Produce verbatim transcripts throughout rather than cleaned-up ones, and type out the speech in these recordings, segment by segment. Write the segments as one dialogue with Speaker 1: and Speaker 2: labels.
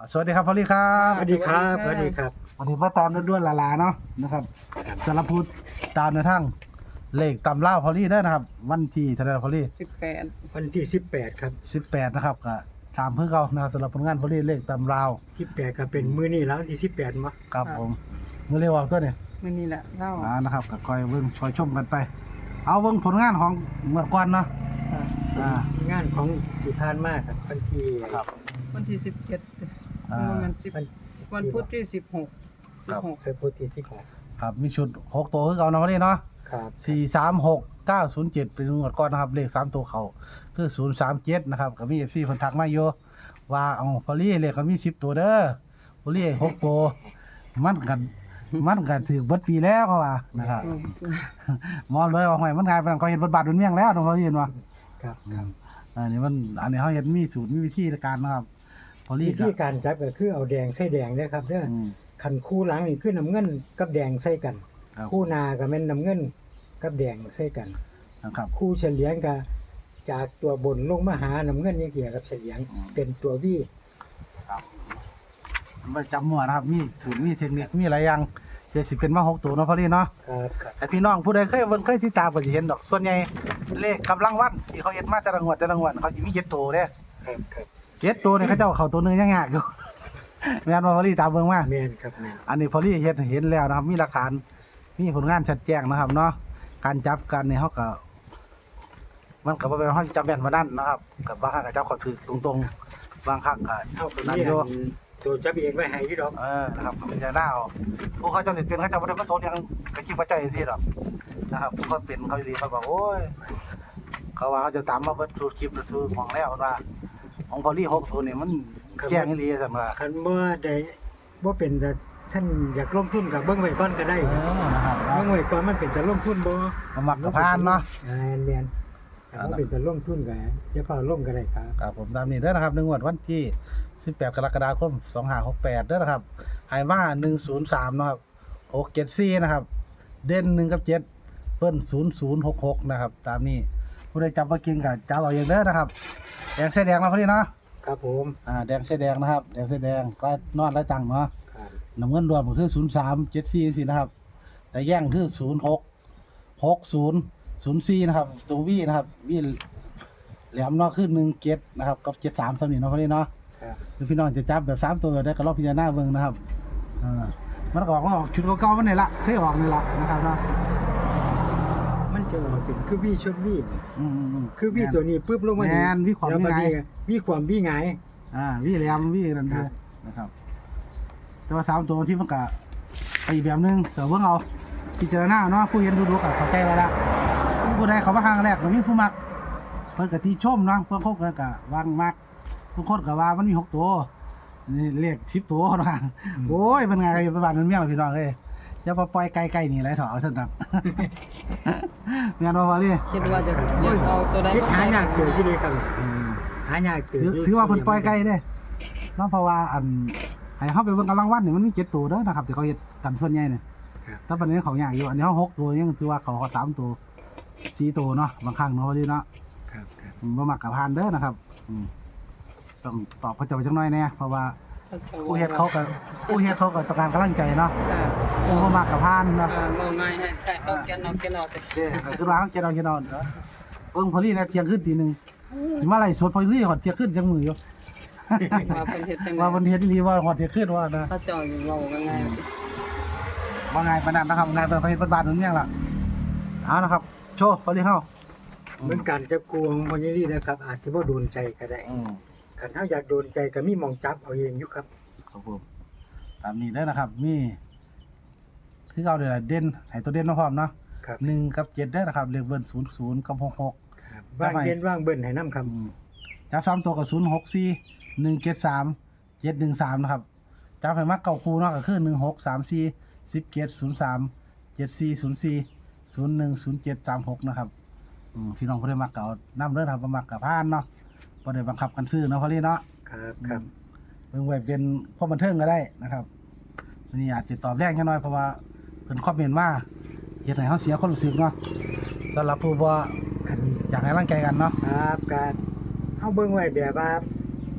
Speaker 1: สวัสดีครับพอลลี่ครับ
Speaker 2: สวัสดีครับสวัสดีครับ
Speaker 1: วันนี้มาตามด้วนๆหลาๆเนาะนะครับสารพุทธตามในทั้งเลขตำเล่าพอลลี่เด้อนะครับวันที่เท่าไหร่พอลลี่
Speaker 3: สิบแปด
Speaker 2: วันที่สิบแปดครับ
Speaker 1: สิบแปดนะครับก็ตามเพื่อเก่านะครับสำหรับผลงานพอลลี่เลขตำเล่า
Speaker 2: สิบแปดก็เป็นมื้อนี้แล้ววันที่สิบแปดมั้ง
Speaker 1: ครับผมมื้อเรียกว่าตัวเนี่ย
Speaker 3: มื่อนี้แหละเล่า
Speaker 1: อ่านะครับก็คอยเบิ่งคอยชมกันไปเอาเบิ่งผลงานของเมื่อก่อนเนาะอ่าง
Speaker 2: านของที่ผ่านมาครับวันที่
Speaker 1: ครับ
Speaker 3: วันที่สิบเจ็ด
Speaker 1: อ่า
Speaker 3: วันสิบวันพุธที่สิบหกสิบหก
Speaker 2: เคยพูดที่สิบหก
Speaker 1: ครับมีชุดหกตัวคือเก่าเนาะพอลลี่เนาะ
Speaker 2: ครับ
Speaker 1: สี่ สาม หก เก้า ศูนย์ เจ็ดเป็นงวดก่อนนะครับเลขสามตัวเขาคือศูนย์ สาม เจ็ดนะครับก็มี เอฟ ซี เพิ่นทักมาอยู่ว่าเอาพอลลี่เลขก็มีสิบตัวเด้อพอลลี่หกตัวมันกันมันกันถือเบิดปีแล้วเขาว่านะครับมองเลยว่าห้อยมันกลายเป็นเขาเห็นบทบาทบนเมียงแล้วต้องเขาเห็นว่า
Speaker 2: ครับครับ
Speaker 1: อันนี้มันอันนี้เขาเห็นมีสูตรมีวิธีในการนะครับพอลลี่
Speaker 2: วิธีการจับก็คือเอาแดงใส่แดงเด้อครับเด้อ
Speaker 1: อืม
Speaker 2: คันคู่หลังนี่คือน้ำเงินกับแดงใส่กัน
Speaker 1: ครับ
Speaker 2: คู่หน้าก็แม่นน้ำเงินกับแดงใส่กัน
Speaker 1: นะครับ
Speaker 2: คู่เฉลียงก็จากตัวบนลงมาหาน้ำเงินนี่เกี่ยวกับเฉลียง
Speaker 1: อืม
Speaker 2: เป็นตัววี่
Speaker 1: ไม่จำมั่วนะครับมีสูตรมีเทคนิคมีหลายอย่างเดี๋ยวสิเป็นมาหกตัวเนาะพอลลี่เนาะ
Speaker 2: ครับครับ
Speaker 1: แต่พี่น้องผู้ใดเคยเบิ่งเคยติดตามก็สิเห็นดอกส่วนใหญ่เลขกำลังวันที่เขาเฮ็ดมาแต่ละงวดแต่ละงวดเขาสิมีเจ็ดตัวเด้
Speaker 2: ครับครับ
Speaker 1: เจ็ดตัวนี่เขาเจ้าเข้าตัวหนึงยังยากอยู่ แม่นบ่พอลี่ตามเบิ่งมา
Speaker 2: แม่นครับแม่น
Speaker 1: อันนี้พอลี่เฮ็ดให้เห็นแล้วนะครับมีหลักฐานมีผลงานชัดแจ้งนะครับเนาะการจับกันนี่เฮาก็มันก็บ่เป็นเฮาสิจับแม่นบ่นั่นนะครับก็บางครั้งก็จับเขาถูกตรงๆบางครั้งก็
Speaker 2: เท่ากับ
Speaker 1: นั่น
Speaker 2: นี่
Speaker 1: อยู่
Speaker 2: ตัวจับเองไว้ให้พี่ดอก
Speaker 1: เออนะครับก็เป็นใจหน้าเอาผู้เขาเจ้าสิเป็นเขาเจ้าบ่ได้มาสนหยังก็คิดว่าเจ้าจังซี่ดอกนะครับผู้เขาเป็นเขาดีเขาบอกโอ้ยเขาว่าเขาจะตามมาเบิดสูตรคลิปหรือสูตรของแล้วว่าของพอลี่หกตัวนี่มันแจ้งอีหลีซั่นว่า
Speaker 2: คันเมื่อใดบ่เป็นจะท่านอยากลงทุนกับเบิ่งไว้ก่อนก็ได้
Speaker 1: เออนะครับ
Speaker 2: เบิ่งไว้ก่อนมันเป็นจะลงทุนบ่
Speaker 1: มามักกับพานเนาะ
Speaker 2: แม่นแม่นถ้าบ่เป็นจะลงทุนก็อย่าเฝ้าลงก็ได้ครับ
Speaker 1: ครับผมตามนี้เด้อนะครับในงวดวันที่สิบแปดกรกฎาคมสองห้าหกแปดเด้อนะครับให้มาหนึ่งศูนย์สามเนาะครับหกเจ็ดสี่นะครับเด่นหนึ่งกับเจ็ดเปิ้นศูนย์ศูนย์หกหกนะครับตามนี้ผู้ใดจำบ่เก่งก็จับเอาเองเด้อนะครับแดงเส้แดงมาพอดีเนาะ
Speaker 2: ครับผม
Speaker 1: อ่าแดงเส้แดงนะครับแดงเส้แดงก็นอนไร้ตังค์เนาะ
Speaker 2: ครับ
Speaker 1: น้ำเงินรวมก็คือศูนย์สามเจ็ดสี่สินะครับแต่แย่งคือศูนย์หกหกศูนย์ศูนย์สี่นะครับตัววีนะครับวีแหลมเนาะคือหนึ่งเจ็ดนะครับกับเจ็ดสามสำนีเนาะพอดีเนาะ
Speaker 2: ครับ
Speaker 1: คือพี่น้องจะจับแบบสามตัวแบบได้ก็รอบพิจารณาเบิ่งนะครับอ่ามันก็ออกมาออกชุดเก่าๆมันนี่ละเคยออกนี่ละนะครับเนาะ
Speaker 2: มันจะออกเป็นคือวี่ชนวี่นี่
Speaker 1: อืมๆ
Speaker 2: คือวี่ตัวนี้ปึ๊บลงมา
Speaker 1: แม่นวี่ความ
Speaker 2: แล้ว
Speaker 1: วี่ไง
Speaker 2: ก็วี่ความวี่ไง
Speaker 1: อ่าวีแหลมวีนั่น
Speaker 2: ครั
Speaker 1: คือบ นะครับ แต่ว่าสามตัวที่มันก็ไปอีกแบบนึงเดี๋ยวเบิ่งเอาพิจารณาเนาะผู้เห็นดูดูก็เข้าใจแล้วละผู้ใดเขามาครั้งแรกก็มีผู้มักเพิ่นก็ติชมเนาะเพิ่นเขาก็ก็วางมักทุกคนก็ว่ามันมีหกตัวนี่เลขสิบตัวเนาะโอ้ยมันไงไปบ้านมันเมียพี่น้องเอ้ยอย่าไปปล่อยไกลๆนี่ไรเถอะเอาเถอะครับ งานว่าว่าเลย
Speaker 3: คิดว่าจะอยากเอาตัวใด
Speaker 2: คิดหายากเกิดอยู่เลยครับ
Speaker 1: เออ
Speaker 2: หายากเกิด
Speaker 1: ถือถือว่าเพิ่นปล่อยไกลเด้เนาะเพราะว่าอันให้เฮาไปเบิ่งกำลังวันนี่มันมีเจ็ดตัวเด้อนะครับที่เขาเฮ็ดกันส่วนใหญ่เนี่ย
Speaker 2: ครับ
Speaker 1: แต่ปัจจุบันเขายากอยู่อันนี้เฮาหกตัวยังถือว่าเขาเขาสามตัวสี่ตัวเนาะบางครั้งเนาะว่าดีเนาะ
Speaker 2: ครับครับ
Speaker 1: อืมบ่มักกับพานเด้อนะครับอืมต้องตอบเขาเจะไปจังน้อยแน่เพราะว่าผู้เฮ็ดเขาก็ผู้เฮ็ดเขาก็ต้องการกำลังใจเนาะผู้บ่มักกับพานเนาะ
Speaker 3: อ่าเราง่ายให้แต่ต้องเขียนเอาเขียนเอาแต่
Speaker 1: เด้ก็คือว่าเขาเจ็ดเอาเจ็ดเอาเนาะเบิ่งพอลี่นะเที่ยงคืนตีหนึ่งสิมาไล่สดพอลี่ฮอดเที่ยงคืนจังมืออยู่
Speaker 3: มาเป็นเฮ็ดจังได๋
Speaker 1: ว่าเพิ่นเฮ็ดอีหลีว่าฮอดเที่ยงคืนว่านะ
Speaker 3: ถ้าเจ้าอยู่เราก็ง่าย
Speaker 1: ว่าไงปานนั้นนะครับงานเป็นไปเฮ็ดบ้านๆนั่นเนี่ยล่ะเอานะครับโชว์พอลี่เฮา
Speaker 2: เหมือนการจับกูของคนนี้นะครับ อาจจะบ่โดนใจก็ได้
Speaker 1: อืม
Speaker 2: คันเฮาอยากโดนใจก็มีหมองจับเอาเองอยู่ครับ
Speaker 1: ครับผมตามนี้เด้อนะครับมีคือเอาเด้อเด่นให้ตัวเด่นมาพร้อมเนาะ
Speaker 2: ครับ
Speaker 1: หนึ่งกับเจ็ดเด้อนะครับเลขเบิ้ลศูนย์ศูนย์กับหกหก
Speaker 2: ครับว่างเย็นว่างเบิ่นให้นํครับ
Speaker 1: อืมจับสามตัวกับศูนย์หกสี่หนึ่งเจ็ดสามเจ็ดหนึ่งสามนะครับจับให้มักเก่าคูเนาะก็คือหนึ่งหกสามสี่สิบเจ็ดศูนย์สามเจ็ดสี่ศูนย์สี่ศูนย์หนึ่งศูนย์เจ็ดสามหกนะครับอืมพี่น้องผู้ใดมักเก่านํเด้อครับบ่มักกับพานเนาะบ่ได้บังคับกันซื้อเนาะพอลี่เนาะ
Speaker 2: ครับครับ
Speaker 1: เบิ่งไว้เป็นความบันเทิงก็ได้นะครับวันนี้อาจจะตอบแรงแค่น้อยเพราะว่าเพิ่นคอมเมนต์ว่าเฮ็ดให้เฮาเสียความรู้สึกเนาะสำหรับผู้บ่
Speaker 2: คัน
Speaker 1: อยากให้ร่างใจกันเนาะ
Speaker 2: ครับการเฮาเบิ่งไว้แบบว่า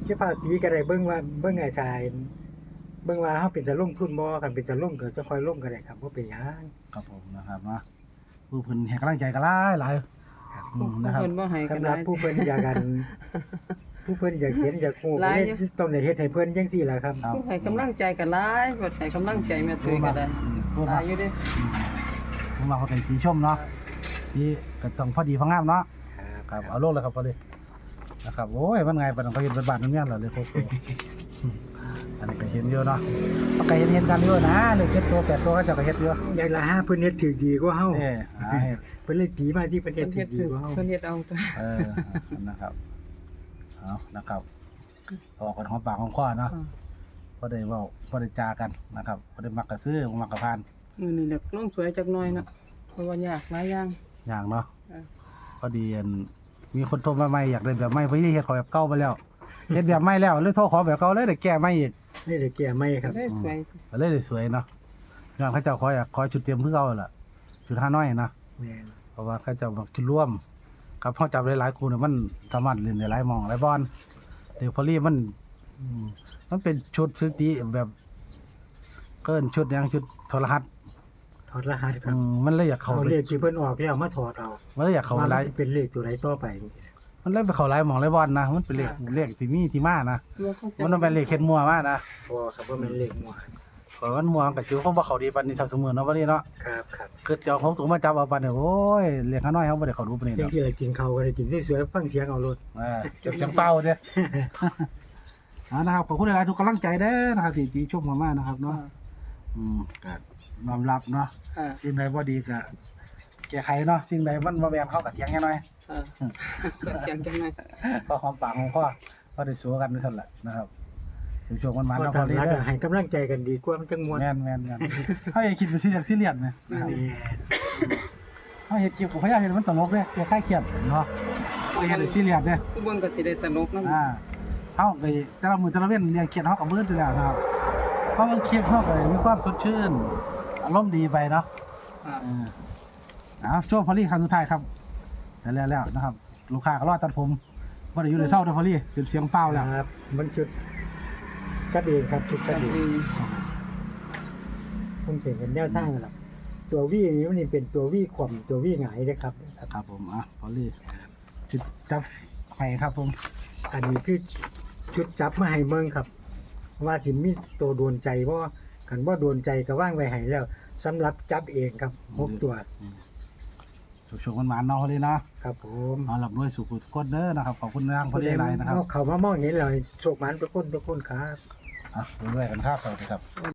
Speaker 2: จะพาตีก็ได้เบิ่งว่าเบิ่งไอ้ชายเบิ่งว่าเฮาเป็นจะลงทุนบ่คันเป็นจะลงก็จะค่อยลงก็ได้ครับบ่เป็นหยัง
Speaker 1: ครับผมนะครับเนาะผู้เพิ่นให้กำลังใจกันหลายหลาย
Speaker 2: ครับ
Speaker 1: อืม
Speaker 3: ผู้
Speaker 1: นะครับ
Speaker 3: เพิ่นบ่ให้กัน
Speaker 2: สำห
Speaker 3: ห
Speaker 2: รั
Speaker 3: ลา
Speaker 2: บ
Speaker 3: ย
Speaker 2: ผู้เพิ่นอยากกัน ผู้เพิ่นอยากเห็นอยากฮู้
Speaker 3: หลาย
Speaker 2: ก็
Speaker 3: อยู่
Speaker 2: เลยต้องได้เฮ็ดให้เพิ่นจังซี่ล่ะครับ
Speaker 1: ครับ
Speaker 3: ผู้ให้กำลังใจกันหลายบ่ให้กำลังใจแม่ตุ้ยก็ได้
Speaker 1: อืมผู้
Speaker 3: ห
Speaker 1: มา
Speaker 3: ลายอยู่เด้
Speaker 1: ผู้มาเขาเป็นตีชมเนาะที่ก็ต้องพอดีพองามเนาะครับเอาลงเลยครับพอดีนะครับโอ้ยมันไงปานนั้นเขาเห็นเป็นบาทนึงเนี่ยเหรอเลยโคโค่อืมอันนี้ก็เห็นเยอะเนาะเขาก็เห็นเห็นกันเยอะนะเลยเจ็ดตัวแปดตัวก็เจะก็เห็นเยอะ
Speaker 2: อยากละหาเพิ่นเฮ็ดถูกดีกว่าเฮา
Speaker 1: เออหาเห็ด
Speaker 2: เพิ่นเลยตีมาที่เพิ่นเฮ็
Speaker 3: เพิ่
Speaker 2: ด
Speaker 3: น
Speaker 2: ถู
Speaker 3: เฮ็ด
Speaker 2: กดีกว่าเฮา
Speaker 3: เพิ่นเฮ็ดเอาตัว
Speaker 1: เออนะครับเอานะครับออกกันหอมปากหอมคอเนาะพอได้เว้าพอได้จากันนะครับพอได้มักกระซื้อบ่มักกระพาน
Speaker 3: มื้อนี้เด็กลงสวยจักหน่อยเนาะเพราะว่ายากหลายอย่าง
Speaker 1: อย่างเนาะ
Speaker 3: เออ
Speaker 1: พอดีอันมีคนโทรมาใหม่อยากได้แบบใหม่เพราะที่เฮ็ดขอแบบเก่าไปแล้วเฮ็ดแบบใหม่แล้วเลยโทรขอแบบเก่าเลยได้แก้ใหม่อีก
Speaker 2: นี่ได้แก้ใหม่ครับ
Speaker 3: ได้สวย
Speaker 1: ก็เลยได้สวยเนาะย้อนเขาเจ้าขออยากขอชุดเตรียมคือเก่าล่ะชุดห้าน้อยนะ
Speaker 2: แม่น
Speaker 1: เพราะว่าเขาเจ้ามักชุดร่วมกับเฮาจับหลายๆคู่เนี่ยมันสามารถเล่นได้หลายหม่องหลายบอลเดี๋ยวพอลี่มันอืมมันเป็นชุดซื้อตีแบบเกินชุดหยังชุดโทรทัศน์
Speaker 2: ถอดรหัสค
Speaker 1: อื
Speaker 2: รับ
Speaker 1: มมันเลยอยากเข้า
Speaker 2: เอา
Speaker 1: ไป
Speaker 2: เลขที่เพิ่นออกแล้วมาถอดเอา
Speaker 1: มันเลยอยากเข้าไป
Speaker 2: ว่า
Speaker 1: ห
Speaker 2: มั
Speaker 1: ลาน ย
Speaker 2: สิเป็นเลขตัวใดต่อไป
Speaker 1: มันเลยไปเข้าหลายหม่องหลายบอลนะมันเป็นเลขเลขที่มีที่มานะ
Speaker 3: ว่าเขาจะ
Speaker 1: มันต้องเป็นเลขเข็ดมัวมานะ
Speaker 2: บ่ครับว่ามันเลขมั่ว
Speaker 1: ขอยมันมัวกับจิ๋วเขาบ่เข้าดีปานนี้เท่าสมือเนาะวันนี้เนาะ
Speaker 2: ครับครับ
Speaker 1: คือเจ้าของตัวมาจับเอาปานนี้โอ้ยเลขข้าน้อยเขาบ่ได้เข้าดูปานนี้
Speaker 2: จั
Speaker 1: ด
Speaker 2: ง
Speaker 1: อก
Speaker 2: ซี่ล่ะกินข้าวก็ได้กินสวยๆฟังเสียงเอาโลด
Speaker 1: อ่าเก็บเสียงเฝ้าเด้อ อ่านะครับขอบคุณหลายๆทุกกำลังใจเด้อนะครับที่ที่ชมมามานะครับเนาะอืมก็ยอมรับเนาะ
Speaker 3: อ่า
Speaker 1: สิ่งใดบ่ดีก็แก้ไขเนาะสิ่งใดมันบ่แม่นเขาก็เถียงแค่น้อย
Speaker 3: อ่าก็เสียงจังหน่อย
Speaker 1: ก็หอมปากหอมคอก็ได้สู้กันนั่นแหละนะครับช่วงๆมันมัน
Speaker 2: ก็
Speaker 1: เนาะพ
Speaker 2: ทา
Speaker 1: อง ดี
Speaker 2: รัก
Speaker 1: เด้อ
Speaker 2: ให้กำลังใจกันดีกว่ามันจังม่วน
Speaker 1: แม่นแม่นแม่นเฮาอย่าคิดเป็นซีเรียสซีเรียสนะนะครับ เฮาเฮ็ดคลิปก็พยายามเฮ็ดให้มันตลกเด้แก้ไขเครียดเนาะบ่เฮ็ดให้ซีเรียสเด้
Speaker 3: ผู้เบิ่งก็สิได้ตลกนำ
Speaker 1: อ่าเฮาก็แต่ละมื้อแต่ละเว้นเรื่องเครียดเฮาก็เบิดอยู่แล้วนะครับเพราะบางคลิปเฮาก็มีความสดชื่นอารมณ์ดีไปเนาะ
Speaker 3: อ่า
Speaker 1: เออเอาโชว์พอลี่ครั้งสุดท้ายครับแล้วแล้วๆนะครับ ลูกค้าก็รอตัดผมบ่ได้อยู่ในเศร้าเด้อพอลี่เสียงเสียงฟ้าวแล้ว
Speaker 2: ครับมันจุดจัดเองครับจุดจัดเอง
Speaker 3: อืม
Speaker 2: มันเป็นกันแนวทางล่ะตัววี่นี้มันนี่เป็นตัววี่ขวมตัววี่หงายเด้อครับ
Speaker 1: ครับผมอ่ะพอลี่จุดจับไห้ครับผม
Speaker 2: อันนี้คือจุดจับมาให้เมืองครับ ว่าสิมีตัวโดนใจบ่คันบ่โดนใจก็ว่างไว้ให้แล้วสำหรับจับเองครับหกตัว
Speaker 1: โชคๆมันหมานๆเนาะพอลี่เนาะ
Speaker 2: ครับผม
Speaker 1: เอาหลับด้วยสุขุทุกคนเด้อนะครับขอบคุณทางพอลี่หลายนะครับ
Speaker 2: เอาเขามามองเห็นแล้วโชคหมันทุกคนทุกคนครับ
Speaker 1: อ่ะเรื่อยๆกันครับสวัสดีครับ